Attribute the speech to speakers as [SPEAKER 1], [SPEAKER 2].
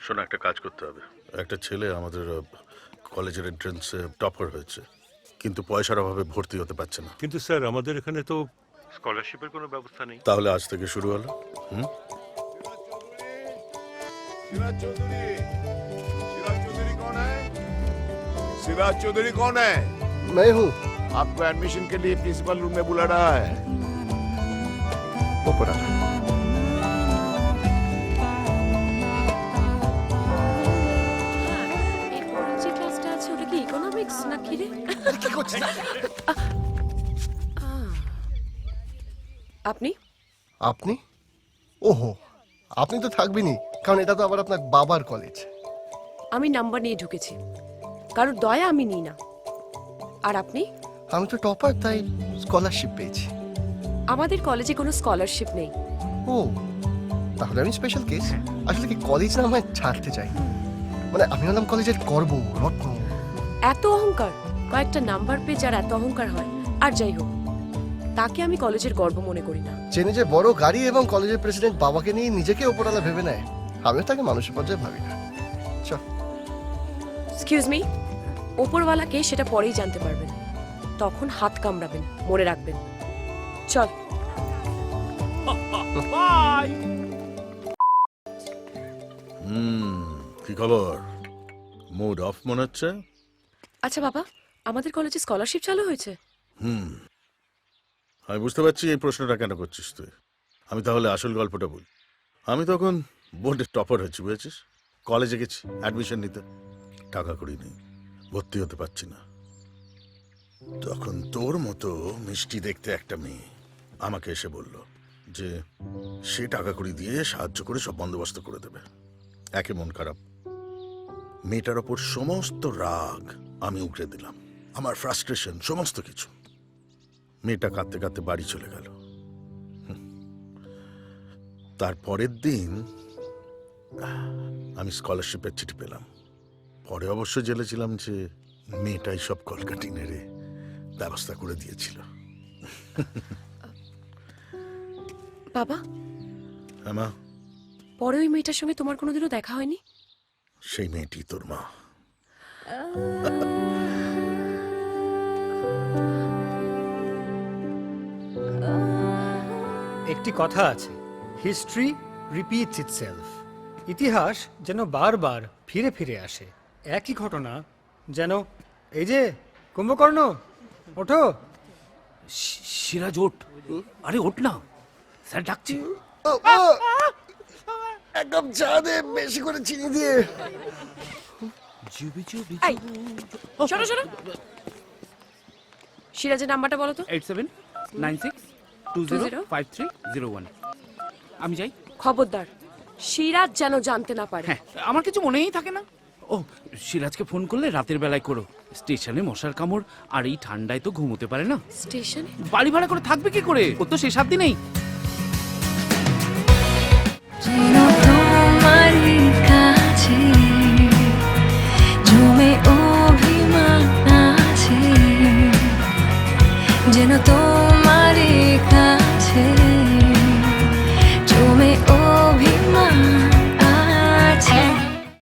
[SPEAKER 1] শোনো, একটা কাজ করতে হবে। একটা ছেলে আমাদের কলেজের এন্ট্রান্সে টপার হয়েছে, কিন্তু পয়সার অভাবে ভর্তি হতে পারছে না।
[SPEAKER 2] কিন্তু স্যার আমাদের এখানে তো স্কলারশিপের কোনো ব্যবস্থা নেই।
[SPEAKER 1] তাহলে আজ থেকে শুরু হলো।
[SPEAKER 3] सिराज चौधरी, सिराज चौधरी कौन है? सिराज चौधरी कौन है?
[SPEAKER 4] मैं हूँ।
[SPEAKER 3] आपको एडमिशन के लिए प्रिंसिपल रूम में बुला रहा है। ऊपर आ।
[SPEAKER 5] এরপরে যে ক্লাসটা আছে ওটা কি ইকোনমিক্স না কি রে?
[SPEAKER 4] কি করছিস?
[SPEAKER 5] আপনি
[SPEAKER 4] আপনি? ওহো, আপনি তো থাকবেনই, কারণ এটা তো আবার আপনার বাবার কলেজ।
[SPEAKER 5] আমি নাম্বার নিয়ে ঢুকেছি, কারোর দয়া আমি নিই না। আর আপনি?
[SPEAKER 4] আমি তো টপার, তাই স্কলারশিপ পেয়েছি।
[SPEAKER 5] আমাদের কলেজে কোনো স্কলারশিপ নেই।
[SPEAKER 4] ও, তাহলে আমি স্পেশাল কেস। আসলে কি কলেজ না আমায় ছাড়তে চাই, মানে আমি হলাম কলেজের গর্ব, রত্ন।
[SPEAKER 5] এত অহংকার, কয়েকটা নাম্বার পেয়ে যার এত অহংকার হয়, আর যাই হোক, তাকে আমি কলেজের গর্ব মনে করি না।
[SPEAKER 4] চেনে যে বড় গাড়ি এবং কলেজের প্রেসিডেন্ট বাবাকে নিয়ে নিজেকে ওপরালা ভেবে নেয়, আমিও তাকে মানুষের পর্যায়ে ভাবি না। চল।
[SPEAKER 5] এক্সকিউজ মি, ওপরওয়ালাকে সেটা পরেই জানতে পারবেন, তখন হাত কামড়াবেন, মনে রাখবেন। চল।
[SPEAKER 1] কি খবর? মুড অফ মনে হচ্ছে।
[SPEAKER 5] আচ্ছা বাবা, আমাদের কলেজে স্কলারশিপ চালু হয়েছে?
[SPEAKER 1] আমি বুঝতে পারছি এই প্রশ্নটা কেন করছিস তুই। আমি তাহলে আসল গল্পটা বলি। আমি তখন বোর্ডের টপার হয়েছি, বুঝেছিস। কলেজে গেছি অ্যাডমিশন নিতে, টাকা করি নেই, ভর্তি হতে পারছি না। তখন তোর মতো মিষ্টি দেখতে একটা মেয়ে আমাকে এসে বলল যে সে টাকা কড়ি দিয়ে সাহায্য করে সব বন্দোবস্ত করে দেবে। একে মন খারাপ, মেয়েটার ওপর সমস্ত রাগ আমি উগড়ে দিলাম, আমার ফ্রাস্ট্রেশন সমস্ত কিছু। মেয়েটা কাঁদতে কাঁদতে বাড়ি চলে গেল। তারপরের দিন আমি স্কলারশিপের চিঠি পেলাম। পরে অবশ্য জেলেছিলাম যে মেয়েটাই সব কলকাটি নেড়ে ব্যবস্থা করে দিয়েছিল।
[SPEAKER 5] বাবা,
[SPEAKER 1] হ্যাঁ মা।
[SPEAKER 5] পরে ওই মেয়েটার সঙ্গে তোমার কোনোদিনও দেখা হয়নি?
[SPEAKER 1] সেই মেয়েটি তোর মা।
[SPEAKER 6] একটি কথা আছে, হিস্ট্রি রিপিটস ইটসেলফ। ইতিহাস যেন বারবার ফিরে ফিরে আসে। একই ঘটনা যেন, এই যে কুম্ভকর্ণ, ওঠো।
[SPEAKER 7] সিরাজ ওঠ, আরে ওঠ না, স্যার ডাকছে।
[SPEAKER 4] এক কাপ চা দে, বেশি করে চিনি দিয়ে।
[SPEAKER 5] এই, শোনো শোনো, সিরাজের নাম্বারটা বলো তো।
[SPEAKER 7] 8796205301। আমি যাই।
[SPEAKER 5] খবরদার, সিরাজ যেন জানতে না পারে।
[SPEAKER 7] হ্যাঁ, আমার কিছু মনেই থাকে না। ও, সিরাজকে ফোন করলে রাতের বেলায় করো। স্টেশনে মশার কামড়, আর এই ঠান্ডায় তো ঘুমোতে পারে না।
[SPEAKER 5] স্টেশনে
[SPEAKER 7] বাড়ি ভাড়া করে থাকবে কি করে? ও তো সে 7 দিনেই।
[SPEAKER 8] Gino, como Maria.